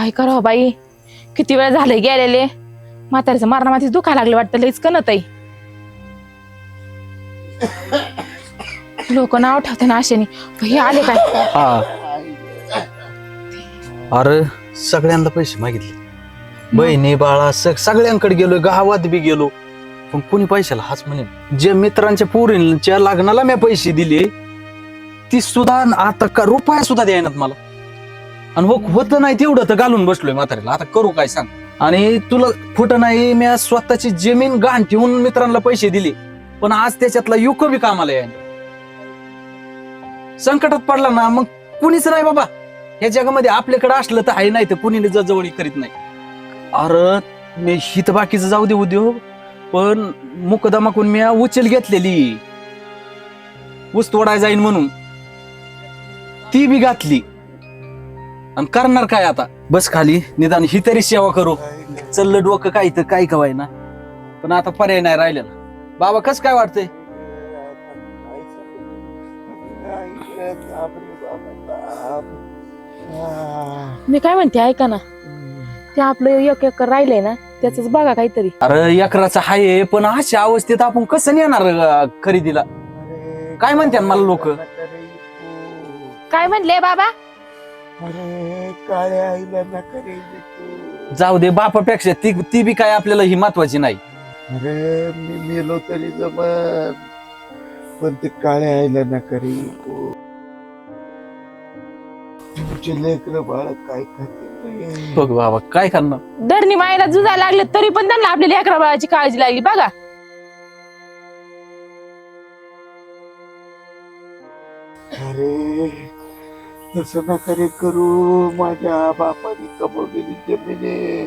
काय करावं बाई, किती वेळ झाले गेलेले. म्हाताऱ्याचं मारणामातीच दुखा लागले वाटतं, लईच कणत आहे. लोक नाव ठेवते ना आशेने. हे आले काय? हा अरे सगळ्यांना पैसे मागितले, बहिणी बाळा सगळ्यांकडे गेलो, गावात बी गेलो, पण कोणी पैशाला हाच म्हणे. जे मित्रांच्या पोरींच्या लग्नाला मी पैसे दिले ती सुद्धा आता का रुपया सुद्धा द्यायनात मला. आणि होत नाही तेवढं तर घालून बसलोय म्हाताऱ्याला. आता करू काय सांग. आणि तुला खोट नाही, मी स्वतःची जमीन गहाण ठेवून मित्रांना पैसे दिले, पण आज त्याच्यातला युक बी कामाला यायला. संकटात पडला ना मग कुणीच नाही बाबा या जगामध्ये. आपल्याकडे असलं तर आहे, नाही तर कुणी जवळी करीत नाही. अरे मी हित बाकीचं जाऊ दे उद्योग, पण मुकदमा करून मी उचल घेतलेली ऊस तोडाय जाईन म्हणून, ती बी घातली. आणि करणार काय आता, बस खाली निदान ही तरी सेवा करू. चललं डोकं काय तर काय कवाय ना, पण आता पर्याय नाही राहिलेला. बाबा कस काय वाटतंय? मी काय म्हणते ऐका ना, ते आपलं 1 एकर राहिलंय ना, त्याच बघा काहीतरी. अरे एकराचं आहे, पण अशा अवस्थेत आपण कसं नेणार खरेदीला? काय म्हणते मला लोक? काय म्हणले बाबा? अरे काळ्या आईला नका रे तू. जाऊ दे बापापेक्षा ती बी काय आपल्याला ही महत्वाची नाही. अरे मी मेलो तरी जमन, पण ते काळ्या आईला नका रे. तुमचे लेकर बाळ काय खाते बघ बाबा काय करणार. धरणी मायला जुजायला लागले तरी पण त्यांना आपल्या लेकरा बाळाची काळजी लागली बघा. अरे तसं नका रे करू. माझ्या बापाने कमवलेली जमिनी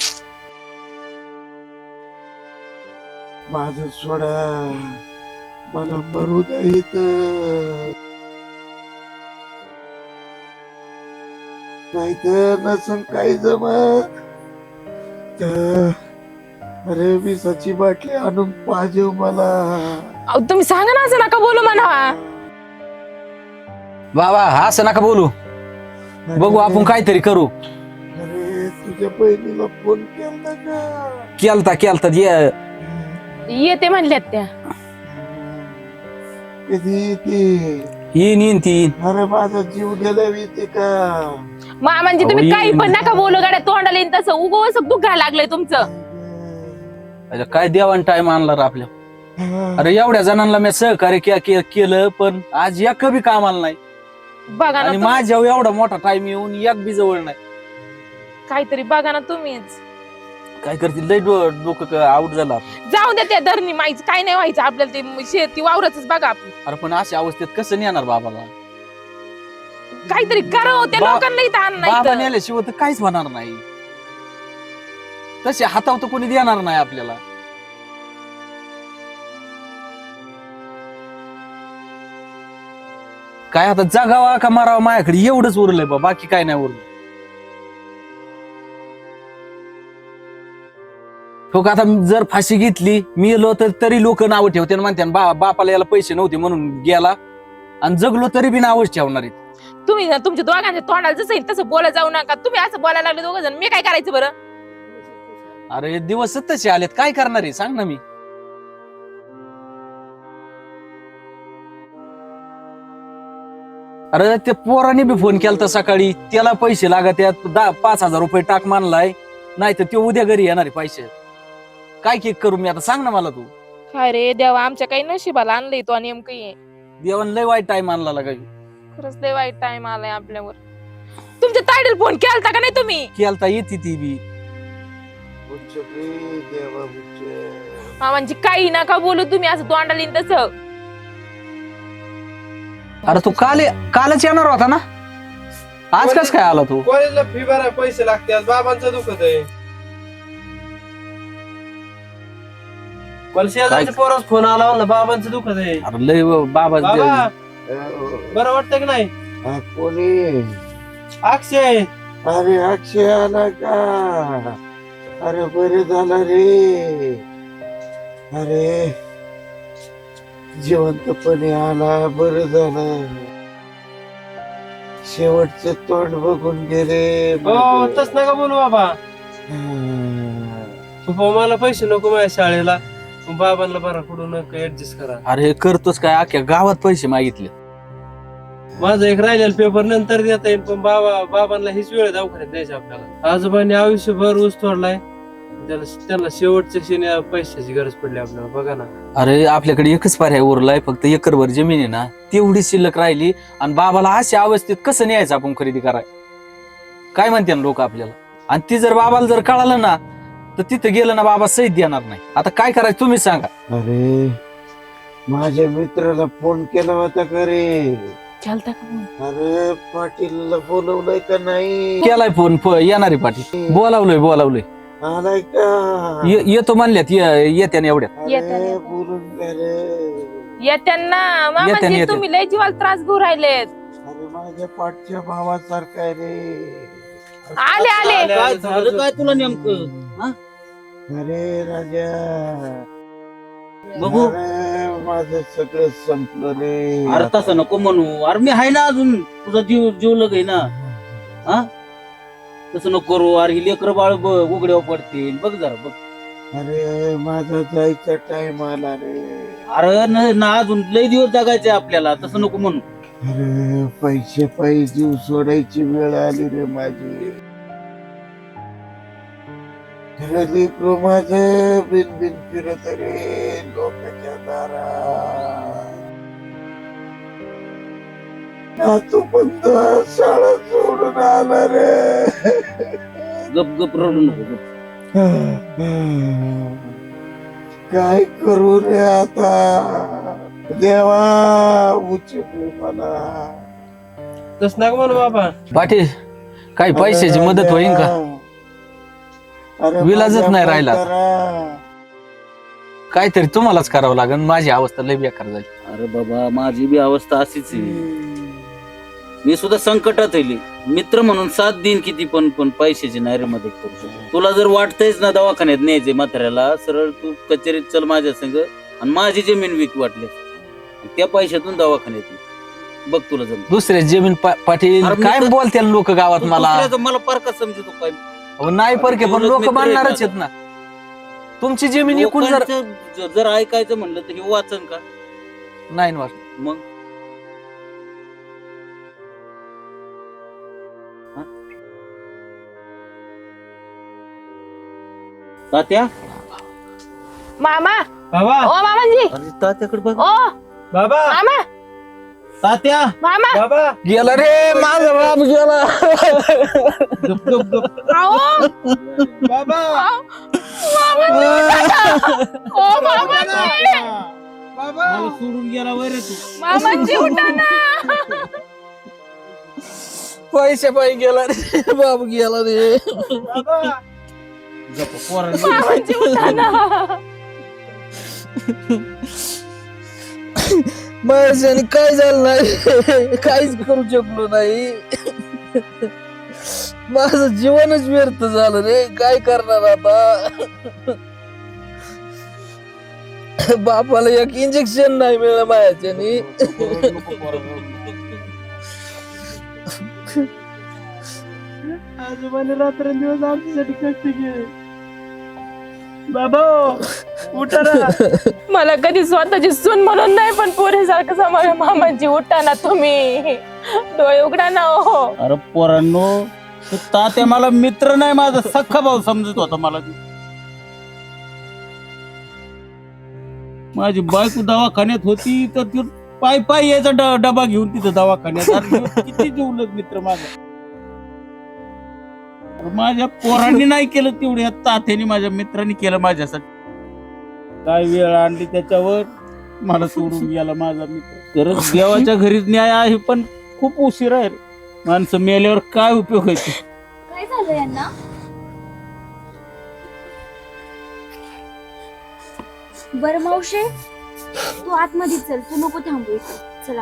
माझं सोडा, मला मरू द्या इथं, नाही तर नसून काही जमत तर अरे विसाची बाटली आणून पाहिजे मला. अहो, तुम्ही सांगा ना, असं नका बोलू म्हणावा. बाबा असं नका बोलू, बघू आपण काहीतरी करू. अरे तुझ्या बहिणीला फोन केला का? केलता येते म्हणल्यात त्या. कधी ती येईन ती. अरे माझा जीव गेला येते का? म्हणजे तुम्ही काही पण नका बोलू गाड्या तोंडाला येईन तसं. उगवच दुखायला लागलंय तुमचं. काय देवान टाइम आणला रे आपल्या. अरे एवढ्या जणांना मी सहकार्य केलं, पण आज एक बी कामाला नाही. बघा आणि ना माझ्या एवढा मोठा टाइम येऊन एक बी जवळ नाही. काहीतरी बघा ना तुम्हीच. काय करतील, लय डोकं आउट झाला. जाऊ द्या त्या धरणी माईच, काय नाही व्हायचं आपल्याला. ते शेती वावरच बघा आपण. अरे पण अशा अवस्थेत कसं नेणार बाबाला? काहीतरी करावं त्या लोकांना इथं आण बाबा नाही. नेल्याशिवाय तर काहीच होणार नाही. तसे हातावर तर कोणी देणार नाही आपल्याला. काय आता जगावा का मारावा माझ्याकडे एवढंच उरलंय बा, बाकी काय नाही उरलं. हो का, आता जर फाशी घेतली मी गेलो तर तरी लोक नावं ठेवते आणि म्हणते बापाला याला पैसे नव्हते म्हणून गेला, आणि जगलो तरी बी नावच ठेवणार आहेत. तुम्ही ना तुमच्या दोघांच्या तोंडाला जसं येईल तसं बोला जाऊ नका. तुम्ही असं बोलायला लागले दोघ जण, मी काय करायचं बरं? अरे दिवस तसे आलेत, काय करणार आहे सांग ना. मी अरे ते पोराने बी फोन केलता सकाळी, त्याला पैसे लागत आहेत, 5,000 रुपये टाक मानलाय, नाही तर ते उद्या घरी येणार आहे पैसे. काय केक करू मी आता सांग ना मला तू. काय रे देवा, आमच्या काही नशिबाला आणलंय तो नेमकं ये. देवान लय वाईट टाइम आणला काही. खरंच लय वाईट टाइम आलाय आपल्यावर. तुमच्या ताईडीला फोन केलता का नाही तुम्ही? केलता, येते ती बी. उच्च रे देवा उच्च. म्हणजे काही नका बोलू तुम्ही असं तोंडाला येईन तसं. अरे तू कालच येणार होता ना, आज कस काय आला तू? कॉलेजला फी भरायला पैसे लागतात, बाबांचं दुखत आहे. मला शेजारच्या पोरास फोन आला, म्हणलं बाबांचं दुखत आहे. अरे लय बाबा बाबा बरं वाटतं की नाही? कोणी? अक्षय. अरे अक्षय आला का? अरे बरे झालं रे. अरे जिवंतपणे आला, बरं झालं. शेवटचं तोंड बघून गेले हो तस नका बोलू बाबा. पप्पा मला पैसे नको माझ्या शाळेला, पण बाबांना बरा कुठून ऍडजस्ट करा. अरे करतोस काय, अख्ख्या गावात पैसे मागितले. माझा एक राहिलेला पेपर नंतर देता येईल, पण बाबांना हीच वेळ दवाखान्यात द्यायची आपल्याला. आजोबांनी आयुष्यभर ऊस तोडलाय, त्यांना शेवटच्या क्षणी पैशाची गरज पडली आपल्याला. बघा ना. अरे आपल्याकडे एकच पर्याय उरलाय, फक्त एकरभर जमीन आहे ना, तेवढी शिल्लक राहिली. आणि बाबाला अशा अवस्थेत कसं न्यायचं आपण खरेदी कराय, काय म्हणते ना लोक आपल्याला. आणि ती जर बाबाला जर कळालं ना, तर तिथं गेलं ना बाबा सहीत देणार नाही. आता काय करायचं तुम्ही सांगा. अरे माझ्या मित्राला फोन केला होता का रे? चालता का मग? अरे पाटीलला बोलवलंय का नाही? केलाय फोन, येणारे पाटील बोलावलंय. आलाय का? येतो म्हणल्यात, येत्या एवढ्यात. अरे बोलून गेले. येत्यांना मामाजी येत्या. तुम्ही लय जीवाला त्रास घेऊ राहिलेत. अरे माझ्या पाठच्या भावासारखा आहे रे. आले काय झालं काय तुला नेमकं? अरे राजा बघू. अरे माझं सगळं संपलं रे. अरे तसं नको म्हणू. अरे मी आहे ना अजून, तुझा जीव लगे ना. हा तसं नको करू. अरे ही लेकर बाळ उघड्यावर पडतील. बघ जरा बघ. अरे माझा जायचा टाइम आला रे. अरे ना अजून लय दिवस जगायचे आपल्याला. तसं नको म्हणू. अरे पैसे पायी जीव सोडायची वेळ आली रे माझी. लेकरू माझं बिन फिरत रे लोकांच्या दारात. तू पण शाळा सोडून आला रे. गप रडू नको. काय करू रे आता? देवा उचल मला. तस नका म्हणू बाबा. पाटील काही पैशाची मदत होईल का? अरे विलाजच नाही राहिला. करा. काहीतरी तुम्हालाच करावं लागेल. माझी अवस्था लय बेकार झाली. अरे बाबा माझी बी अवस्था अशीच आहे. मी सुद्धा संकटात आहे. मित्र म्हणून साथ देईन किती, पण पैशाची नाही रे मदत करू शकतो. तुला जर वाटतंयच ना दवाखान्यात न्यायचे म्हाताऱ्याला, सरळ तू कचेरीत चल माझ्या संग आणि माझी जमीन विक वाटली. त्या पैशातून दवाखान्यात ये. बघ तुला जमीन. दुसऱ्या जमीन पाटील अरे मी काय तर- बोलते लोक गावात मला. मला पारखा समजतो काय. अहो, नाही परके, पण लोक मानणारच आहेत ना. तुमची जमीन एकूण जर जर ऐकायचं म्हणलं तर हे वाचन का नाही ना वाटत. मग. तात्या मामा. बाबा ओ मामाजी. अरे तात्याकडे बघ. ओ बाबा मामा. तात्या मामा. बाबा गेला रे माझा बाप गेला. गप. आओ बाबा ओ मामाजी. बाबा मला सोडून गेला वैर तू. मामाजी उठा ना. पैसे पायी गेला रे बाप गेला रे. बाबा गप्प पोरांनी. मामाजी उठा ना. माझ्याने काय झालं नाही, काहीच करू शकलो नाही. माझं जीवनच व्यर्थ झालं रे. काय करणार आता. बापाला एक इंजेक्शन नाही मिळलं माझ्याने. आजोबाने रात्रंदिवस आमच्यासाठी कष्ट केले. बाबा उठा ना. मला कधी स्वतःची सून म्हणून नाही, पण पोरीसारखं समावे. मामाजी उठा ना तुम्ही. डोळे उघडा ना. हो अरे पोरांनो, तो तात्या मला मित्र नाही, माझा सख्खा भाऊ समजत होता मला. माझी बायको दवाखान्यात होती तर ती पाय यायचा डबा घेऊन तिथं दवाखान्यात. अरे किती जीवलग मित्र माझा. माझ्या पोरांनी नाही केलं तेवढे, तात्याने माझ्या मित्रांनी केलं माझ्यासाठी. काय वेळ आणली त्याच्यावर, मला सोडून गेला माझा मित्र. खरंच देवाच्या घरीच न्याय आहे, पण खूप उशीर आहे रे. माणसं मेल्यावर काय उपयोग व्हायचे. काय झालं यांना? बरं मावशे, तू आतमध्ये चल, तू नको थांबू इथे. चला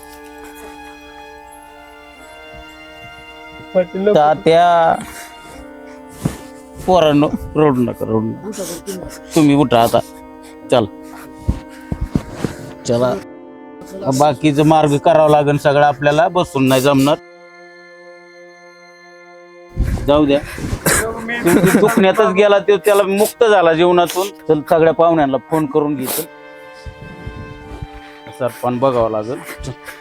तात्या पोरांनो रडू नका. तुम्ही उठा आता. चला बाकीचं मार्ग करावं लागेल सगळं आपल्याला. बसून नाही जमणार. जाऊ द्या तुमची दुखण्यातच गेला तो, त्याला मुक्त झाला जीवनातून. चल सगळ्या पाहुण्यांना फोन करून घे. सरपण बघावं लागेल.